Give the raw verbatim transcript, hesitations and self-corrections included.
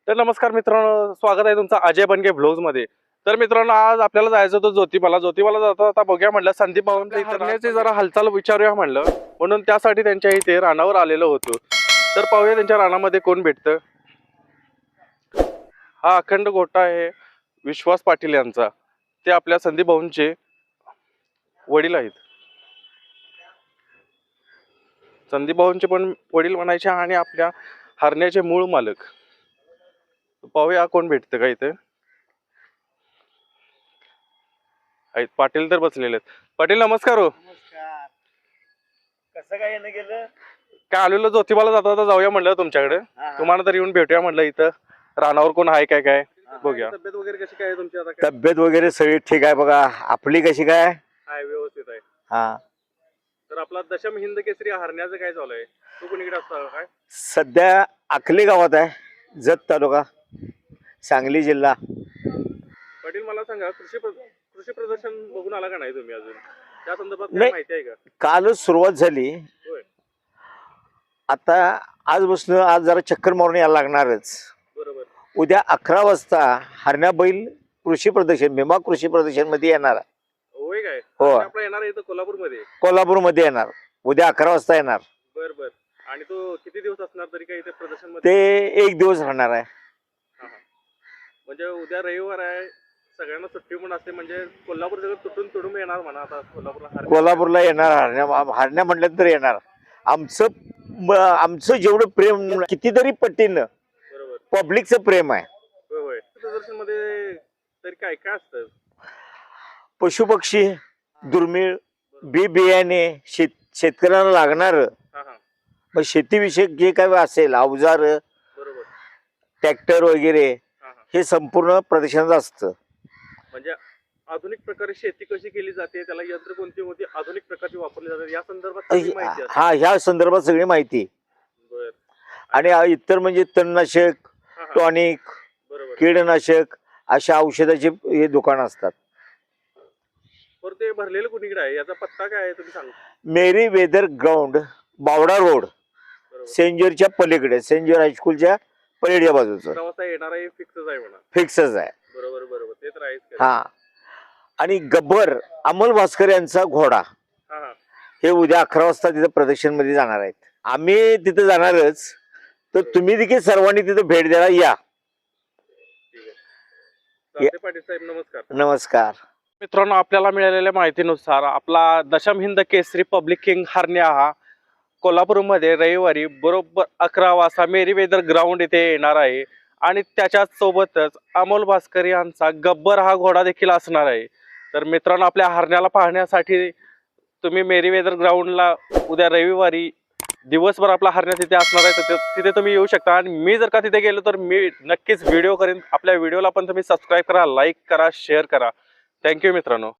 तर नमस्कार मित्रांनो, स्वागत आहे तुमचं अजय बनगे व्लॉग्स मध्ये। तर मित्रांनो, आज आपल्याला जायचं होतं ज्योतिबाला। ज्योतिबाला जाता आता बघूया म्हणलं संदीप भाऊंच्या इथे राहण्याची जरा हालचाल विचारूया म्हणलं, म्हणून त्यासाठी त्यांच्या इथे रानावर आलेलो होतो। तर पाहूया त्यांच्या रानामध्ये कोण भेटतं। हा अखंड गोठा आहे विश्वास पाटील यांचा, ते आपल्या संदीप भाऊंचे वडील आहेत। संदीप भाऊंचे पण वडील म्हणायचे आणि आपल्या हरण्याचे मूळ मालक। पाहूया कोण भेटतं का इथे। आहेत पाटील तर बसलेले आहेत। पाटील नमस्कार हो। नमस्कार। कसं काय येणं गेलं? काय आलेलो ज्योतिबाला जाता जाता जाऊया म्हणलं तुमच्याकडे, तुम्हाला तर येऊन भेटूया म्हणलं। इथं रानावर कोण आहे काय काय बघूया। तब्येत वगैरे कशी काय तुमची आता? तब्येत वगैरे सगळी ठीक आहे बघा, आपली कशी काय? आहे व्यवस्थित आहे। हा, तर आपला दशम हिंद केसरी हरण्याचं काय चालू आहे? तू कोणीकडे असतो काय? सध्या अकली गावात आहे, जत तालुका, सांगली जिल्हा। पाटील मला सांगा, कृषी प्र- कृषी प्रदर्शन बघून आला का नाही तुम्ही अजून? त्या संदर्भात काय नाही. माहिती आहे का? कालच सुरुवात झाली, होय, आता आजपासून आज जरा चक्कर मारून यायला लागणारच। बरोबर। उद्या अकरा वाजता हरण्या बैल कृषी प्रदर्शन, भीमा कृषी प्रदर्शन मध्ये येणार आहे। होय काय? हो. आणि आपला येणार आहे इथं कोल्हापूरमध्ये? कोल्हापूर मध्ये येणार, उद्या अकरा वाजता येणार। बर बर। आणि तो किती दिवस असणार तरी काय इथे प्रदर्शन मध्ये? ते एक दिवस राहणार आहे। हा, हा. म्हणजे उद्या रविवार आहे, सगळ्यांना सुट्टी पण असते, म्हणजे कोल्हापूर सगळं तुटून तुडून येणार म्हणा आता कोल्हापूरला हरण्या- कोल्हापूरला येणार, हरण्या हरण्या म्हटलं तर येणार। आमचं म- आमचं जेवढं प्रेम कितीतरी पटीनं बरोबर। पब्लिकचं प्रेम आहे। होय होय। प्रदर्शन मध्ये तरी काय काय असतं? पशुपक्षी, दुर्मिळ, बी बियाणे, शेत शेतकऱ्याला लागणार, हा हा, मग शेतीविषयक जे काही असेल, अवजार, बरोबर। ट्रॅक्टर वगैरे, हा हा. हे संपूर्ण प्रदर्शनात असतं। म्हणजे आधुनिक प्रकारे शेती कशी केली जाते, त्याला यंत्र कोणती कोणती आधुनिक प्रकारची वापरली जातात या संदर्भात सगळी माहिती असते। हा, ह्या संदर्भात सगळी माहिती। बर। आणि इतर म्हणजे तणनाशक, हा हा, टॉनिक, बरोबर। कीडनाशक अशा औषधाचे हे दुकान असतात। बरं, ते भरलेलं कुणीकडे आहे, याचा पत्ता काय आहे तुम्ही सांगा? Merry Weather ground, Bawda road, बरोबर। सेंट जॉर्जच्या पलीकडे, सेंट जॉर्ज हायस्कूलच्या पलीकडच्या बाजूचं अकरा वाजता येणार आहे, फिक्सच आहे म्हणा। फिक्सच आहे। बरोबर बरोबर, ते तर आहेच. हा, आणि गब्बर अमोल भास्कर यांचा घोडा, हा हा, हे उद्या अकरा वाजता तिथे प्रदर्शन मध्ये जाणार आहेत। आम्ही तिथे जाणारच, तर तुम्ही देखील सर्वांनी तिथे भेट द्यायला या। ठीक आहे। चालतंय पाटील साहेब, नमस्कार। नमस्कार मित्रांनो, आपल्याला मिळालेल्या माहितीनुसार आपला दशम हिंद केसरी पब्लिक किंग हरण्या हा कोल्हापूरमध्ये रविवारी बरोबर अकरा वाजता मेरी वेदर ग्राउंड इथे येणार आहे। आणि त्याच्याच सोबतच अमोल भास्कर यांचा गब्बर हा घोडा देखील असणार आहे। तर मित्रांनो, आपल्या हरण्याला पाहण्यासाठी तुम्ही मेरी वेदर ग्राउंडला उद्या रविवारी दिवसभर आपला हरण्या तिथे असणार आहे, तर तिथे तुम्ही येऊ शकता। आणि मी जर का तिथे गेलो तर मी नक्कीच व्हिडिओ करेन। आपल्या व्हिडिओला पण तुम्ही सबस्क्राईब करा, लाईक करा, शेअर करा। थँक्यू मित्रांनो।